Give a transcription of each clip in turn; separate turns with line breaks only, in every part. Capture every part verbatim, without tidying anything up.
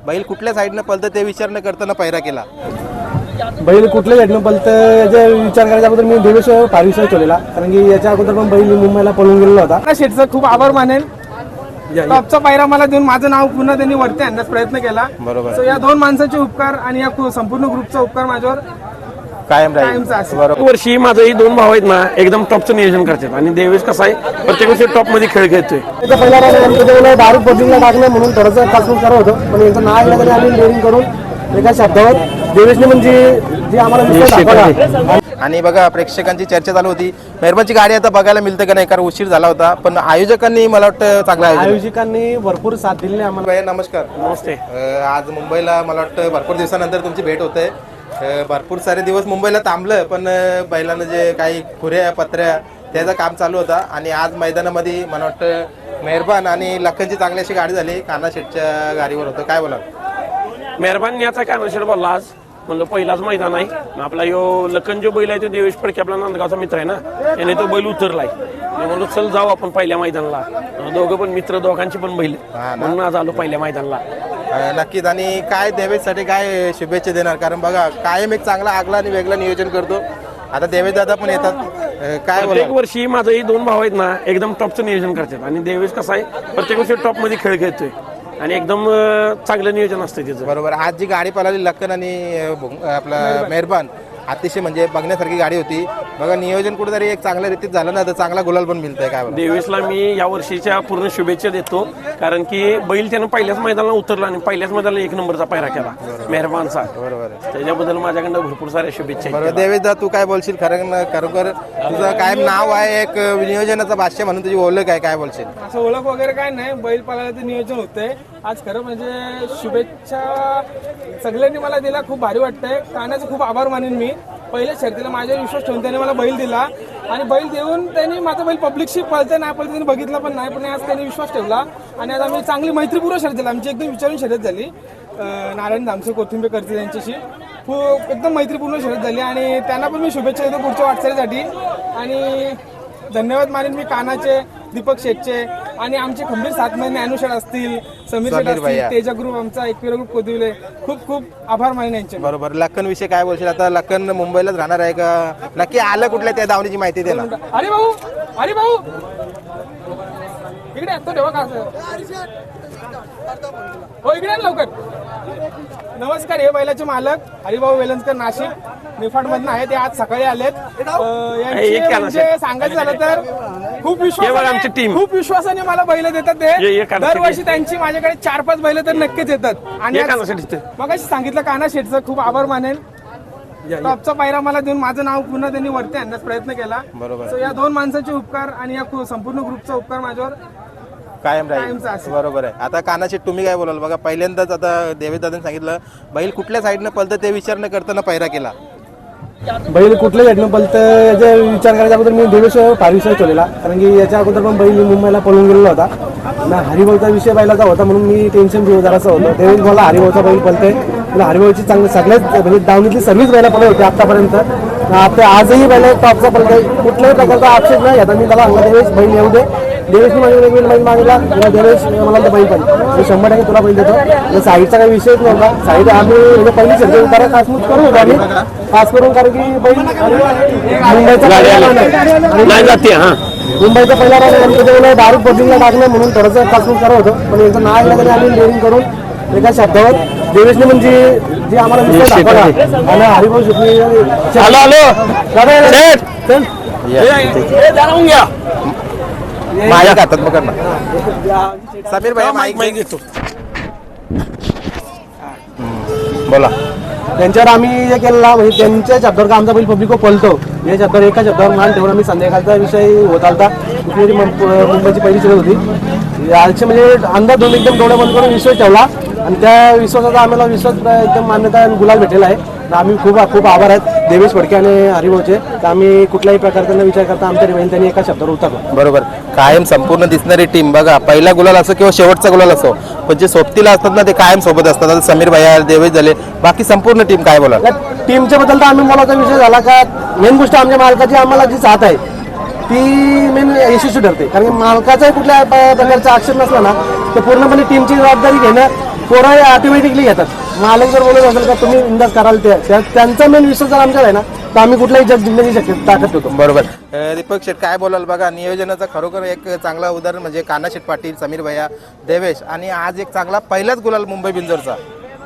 बैल कुठल्या साईडनं पळतं ते विचार न करताना पैरा केला.
बैल कुठल्या साईडनं पळतं याचा विचार करायच्या अगोदर मी देवेश पारिसर ठेवलेला, कारण की याच्या अगोदर पण बैल मुंबईला पळून गेलेला होता.
शेठचा खूप आभार मानेल. टॉपचा पायरा मला देऊन माझं नाव पुन्हा त्यांनी वरती आणण्याचा प्रयत्न केला.
बरोबर.
सो या दोन माणसाचे उपकार आणि या संपूर्ण ग्रुपचा उपकार माझ्यावर
कायम राहील.
बरोबर. वर्षी माझंही दोन भाव आहेत ना, एकदम टॉपचं नियोजन करतात आणि देवेश कसा आहे प्रत्येक वर्षी टॉप मध्ये खेळ खेळतोय.
त्याचा पहिला राऊंड दारू बदलीला टाकलं म्हणून थोडंसं कासून करत होतो, पण यांचं नाव आलं तरी आम्ही डेअरिंग करून एका शब्दावर देवेशने म्हणजे जी आम्हाला विश्वास दाखवला.
आणि बघा प्रेक्षकांची चर्चा चालू होती, मेहरबानची गाडी आता बघायला मिळते का नाही, कारण उशीर झाला होता, पण आयोजकांनी मला वाटतं चांगला आयोजन
आयोजकांनी भरपूर साथ दिली आम्हाला.
भैया नमस्कार.
नमस्ते.
अं, आज मुंबईला मला वाटतं भरपूर दिवसानंतर तुमची भेट होते. भरपूर सारे दिवस मुंबईला थांबलं, पण अं, बैलानं जे काही खुऱ्या पत्र्या त्याचं काम चालू होता आणि आज मैदानामध्ये मला वाटतं मेहरबान आणि लखनची चांगली अशी गाडी झाली. कान्हा शेठच्या गाडीवर होतं, काय बोला?
मेहरबान याचा कान्हा शेठ बोलला आज, म्हणलं पहिलाच मैदान आहे आपला. यो लखन जो बैल आहे तो देवेश फडके आपला नांदगावचा मित्र आहे ना, याने तो बैल उतरलाय. म्हणून चल जाऊ आपण पहिल्या मैदानाला, दोघं पण मित्र, दोघांची पण बैल, म्हणून आज आलो पहिल्या मैदानाला.
नक्कीच. आणि काय देवेशसाठी काय शुभेच्छा देणार, कारण बघा कायम एक चांगला आगला आणि वेगळा नियोजन करतो. आता देवेश दादा पण येतात, काय
प्रत्येक वर्षी माझंही दोन भाव आहेत ना, एकदम टॉपचं नियोजन करतात आणि देवेश कसा आहे प्रत्येक वर्षी टॉप मध्ये खेळ खेळतोय आणि एकदम चांगलं नियोजन असतं त्याचं.
बरोबर. आज जी गाडी पळाली लखन आणि आपला मेहरबान, अतिशय म्हणजे बघण्यासारखी गाडी होती. बघा नियोजन कुठेतरी एक चांगल्या रीतीत झालं ना, तर चांगला गुलाल पण मिळतंय. काय
देवेशला मी या वर्षीच्या पूर्ण शुभेच्छा देतो, कारण की बैल त्यानं पहिल्याच मैदानाला उतरला आणि पहिल्याच मैदानाला एक नंबरचा पायरा केला मेहरबानचा.
बरोबर.
त्याच्याबद्दल माझ्याकडनं भरपूर साऱ्या शुभेच्छा.
बरोबर. देवेश दा तू काय बोलशील? खरं खरोखर तुझं कायम नाव आहे, एक नियोजनाचा भाष्य म्हणून तुझी ओळख आहे, काय बोलशील?
असं ओळख वगैरे काय नाही, बैल पाळायचं नियोजन होतंय आज. खरं म्हणजे शुभेच्छा सगळ्यांनी मला दिला, खूप भारी वाटतंय. कानाचं खूप आभार मानेन मी. पहिल्या शर्तीला माझ्यावर विश्वास ठेवून त्याने मला बैल दिला आणि बैल देऊन त्यांनी माझा बैल पब्लिकशी पळते नाही पळते त्यांनी बघितलं पण नाही, पण आज त्यांनी विश्वास ठेवला आणि आज आम्ही चांगली मैत्रीपूर्व शर्यत झाली. आमची एकदम विचारून शर्यत झाली. नारायण धामसे कोथिंबे करते त्यांच्याशी खूप एकदम मैत्रीपूर्ण शर्यत झाली आणि त्यांना पण मी शुभेच्छा देतो पुढच्या वाटचालीसाठी. आणि धन्यवाद मानेन मी कानाचे, दीपक शेठचे आणि आमचे खंबीर साथ महिने अनुषार असतील, समीर शेठ असतील, तेजा ग्रुप, आमचा एकविरा ग्रुप कोदिवले, खूप खूप आभार मानेन यांचे.
बरोबर. लखन विषय काय बोलशील? आता लखन मुंबईलाच राहणार आहे का, नक्की आलं कुठल्या त्या धावणीची माहिती दे ना.
अरे भाऊ, अरे भाऊ इकडे तो ठेवा का हो, इकडे लवकर. नमस्कार. हे बैलाचे मालक हरिभाऊ वेलंजकर, नाशिक निफाड मधून आहे. ते आज सकाळी आलेत. म्हणजे सांगायचं झालं तर खूप विश्वास खूप विश्वासाने मला बैल देतात. ते दरवर्षी त्यांची माझ्याकडे चार पाच बैल तर नक्कीच येतात. आणि मग सांगितलं कान्हा शेठचं खूप आभार मानेल. टॉपचा पायरा मला देऊन माझं नाव पुन्हा त्यांनी वरती आणण्याचा प्रयत्न केला.
बरोबर.
सो या दोन माणसाचे उपकार आणि या संपूर्ण ग्रुपचा उपकार माझ्यावर
कायम राहील. बरोबर आहे. आता कानाशी तुम्ही काय बोलाल? बघा पहिल्यांदाच आता देवेश दादांनी सांगितलं बैल कुठल्या साईडनं पळतं ते विचार न करताना पैरा केला.
बैल कुठल्या साईडनं पळतं याचा विचार करायच्या अगोदर मी देवेश पारिसर ठेवलेला, कारण की याच्या अगोदर पण बैल मुंबईला पळून गेलेला होता ना. हरिभाऊचा विषय बैलाचा होता म्हणून मी टेन्शन घेऊ जरासं होतं. देवेश मला हरिभाऊचा बैल पळतंय, मला हरिभाऊची चांगली सगळ्याच म्हणजे दावणीतली सर्व्हिस बैला पळत होती आतापर्यंत. आता आजही बैल टॉपचा पळतोय, कुठल्याही प्रकारचा आक्षेप नाही. आता मी त्याला सांगला देवेश बैल येऊ दे. देवेशने माझ्या बैल बैल मागितला, देवेश मला तर बैल पाहिजे, मी शंभर टक्के तुला बैल देतो. साईडचा काही विषयच नव्हता. साईड आम्ही म्हणजे पहिली शर्यत उतारा खासमूत करू होतो आम्ही खास करून, कारण की बैल मुंबईचा
नाही जाते. हा
मुंबईचा पहिला राऊंड दारू बदलीला टाकलं म्हणून थोडंसं खासमूत करत होतो, पण यांचं नाव आलं तरी आम्ही डेअरिंग करून एका शब्दावर देवेशने म्हणजे जी आम्हाला विश्वास दाखवला. आणि हरिभाऊ शेट्टी
आलो आलो
माझ्या हातात मग ना समीर भाई माईक
घेतो.
बोला.
त्यांच्यावर आम्ही हे केलेला म्हणजे त्यांच्या शब्दावर का आमचा बैल पब्लिक पळतो या शब्दावर एका शब्दावर मान ठेवून आम्ही संध्याकाळचा विषय होत आलता. कुठली मुंबईची पहिली शर्यत होती. याचे म्हणजे अंदाज दोन एकदम डोळे बंद करून विश्वास ठेवला आणि त्या विश्वासाचा आम्हाला विश्वास एकदम मान्यता गुलाल भेटलेला आहे. आम्ही खूप खूप आभार आहेत देवेश फडके आणि हरिभाऊचे. तर आम्ही कुठल्याही प्रकारचा विचार करता आमच्या बैल त्यांनी एका शब्दावर उतरलो.
बरोबर. कायम संपूर्ण दिसणारी टीम बघा, पहिला गुलाल असो किंवा शेवटचा गुलाल असो, पण जे सोबतीला असतात ना ते कायम सोबत असतात. आता समीर भैया, देवेश झाले, बाकी संपूर्ण टीम काय बोला?
टीमच्या बद्दल तर आम्ही बोलायचा विषय झाला का मेन गोष्ट आमच्या मालकाची आम्हाला जी साथ आहे ती मेन यशस्वी ठरते. कारण की मालकाचा कुठल्या प्रकारचा आक्षेप नसला ना तर पूर्णपणे टीमची जबाबदारी घेणं पोरं ऑटोमॅटिकली घेतात. मालक जर बोलत असेल का तुम्ही इंदाज कराल ते त्या- त्यांचा मेन विश्वास जर आमच्याकडे आहे ना तर आम्ही कुठलाही जग जिंकण्याची शक्यता ताकद होतो.
बरोबर. अ, दीपक शेठ काय बोलाल बघा, नियोजनाचं खरोखर एक चांगला उदाहरण म्हणजे काना शेठ पाटील, समीर भैया, देवेश आणि आज एक चांगला पहिलाच गुलाल मुंबई बिंजोरचा.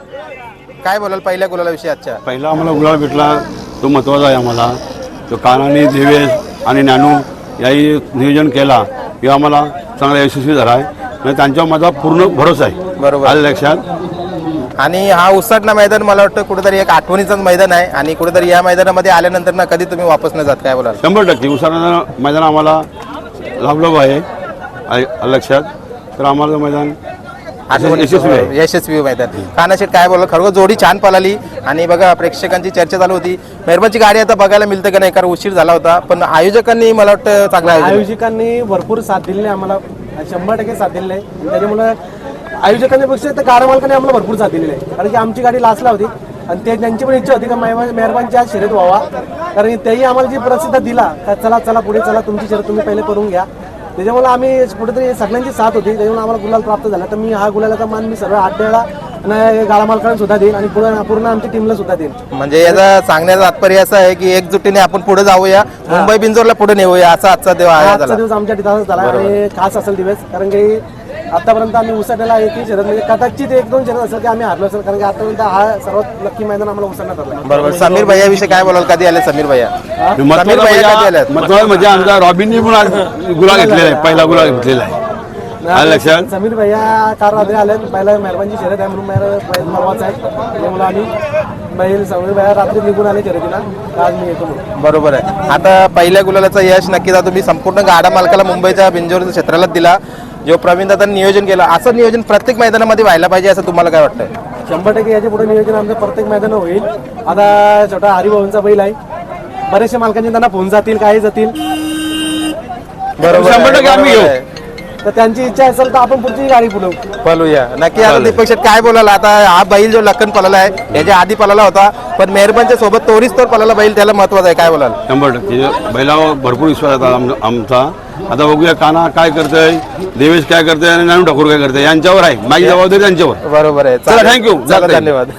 काय बोलाल पहिल्या गुलालाविषयी आजच्या?
पहिला आम्हाला गुलाल भेटला तो महत्त्वाचा आहे आम्हाला. तो कानाने देवेश आणि नानू याही नियोजन केला हे आम्हाला चांगला यशस्वी झाला आहे आणि त्यांच्यावर माझा पूर्ण भरोसा आहे.
बरोबर.
आलं लक्षात.
आणि हा उसाटणा मैदान मला वाटतं कुठेतरी एक आठवणीचंच मैदान आहे आणि कुठेतरी या मैदानामध्ये आल्यानंतर ना कधी तुम्ही वापस न जात. काय बोलाल?
शंभर टक्के उसाना मैदान आम्हाला लाभलं आहे. आलं लक्षात. तर आम्हाला ते मैदान यशस्वी आहे.
यशस्वी मैदान. कानाशेठ काय बोलला, खरोखर जोडी छान पळाली आणि बघा प्रेक्षकांची चर्चा चालू होती. मेहरबानची गाडी आता बघायला मिळते का नाही, कारण उशीर झाला होता, पण आयोजकांनी मला वाटतं चांगला आयोजन.
आयोजकांनी भरपूर साथ दिली आहे आम्हाला, शंभर टक्के साथ दिलेली आहे. त्याच्यामुळे आयोजकांपेक्षा तर कार मालकाने आम्हाला भरपूर साथ दिलेली आहे. कारण की आमची गाडी लास्टला होती आणि ते त्यांची पण इच्छा होती का मेहरबानची आज शर्यत व्हावा. कारण तेही आम्हाला जी प्रसिद्ध दिला का चला चला पुढे चला तुमची शर्यत तुम्ही पहिले करून घ्या. त्याच्यामुळे आम्ही कुठेतरी सगळ्यांची साथ होती, त्याच्यामुळे आम्हाला गुलाल प्राप्त झाला. तर मी हा गुलालाचा मान मी सर्व आठ वेळा आणि गाडा मालकांना सुद्धा देईन आणि पूर्ण पूर्ण आमच्या टीमला सुद्धा देईन.
म्हणजे याचा सांगण्याचा तात्पर्य असं आहे की एकजुटीने आपण पुढे जाऊया, मुंबई बिंजोरला पुढे नेऊया, असा आजचा दिवस आहे.
आजचा दिवस आमच्या तिथं झाला आणि खास असेल दिवस. कारण की आतापर्यंत आम्ही उसाट्याला एकही शर्यत म्हणजे कदाचित एक दोन शर्यत असेल की आम्ही हारलो असेल. कारण की आतापर्यंत हा सर्वात नक्की मैदान आम्हाला उसाटण्यात ठरला.
बरोबर. समीर भैया विषयी काय बोलाल, कधी आले समीर भैया? समीर भैया कधी आले?
महत्वाचं म्हणजे आमचा रॉबिननी पण आज गुलाल घेतलेला आहे. पहिला गुलाल घेतलेला आहे. आलं लक्षात.
समीर भैया कार रात्री आले, पहिला मेहरबानची शर्यत आहे म्हणून मेहर परवाच आहे. त्यामुळे आम्ही बैल समीर भैया रात्री निघून आले शर्यतीला, आज मी येतो म्हणून.
बरोबर आहे. आता पहिल्या गुलालाचं यश नक्कीच आता तुम्ही संपूर्ण गाडा मालकाला मुंबईच्या बिंजोरच्या क्षेत्रालाच दिला, जो प्रवीण दादांनी नियोजन केलं. असं नियोजन प्रत्येक मैदानामध्ये व्हायला पाहिजे असं तुम्हाला काय वाटतं?
शंभर टक्के याच्या पुढे नियोजन आमचं प्रत्येक मैदान होईल. आता छोटा हरिभाऊंचा बैल आहे, बरेचशा मालकांचे त्यांना फोन जातील, काही जातील.
बरोबर
शंभर टक्के आम्ही घेऊ.
तर त्यांची इच्छा असेल तर आपण पुढची गाडी पुढवू.
पळूया नक्की. आता दीपक शेठ काय बोलाल, आता हा बैल जो लखन पळाला आहे याच्या आधी पळाला होता, पण मेहरबानच्या सोबत तोरीस तोर पळाला बैल, त्याला महत्वाचं आहे. काय बोलाल?
शंभर टक्के बैलावर भरपूर विश्वास होता आम- आमचा. आता बघूया काना काय करतोय, देवेश काय करतोय आणि नानू ठाकूर काय करतोय, यांच्यावर आहे. माझी जबाबदारी त्यांच्यावर.
बरोबर आहे.
चला, thank you.
चला, धन्यवाद.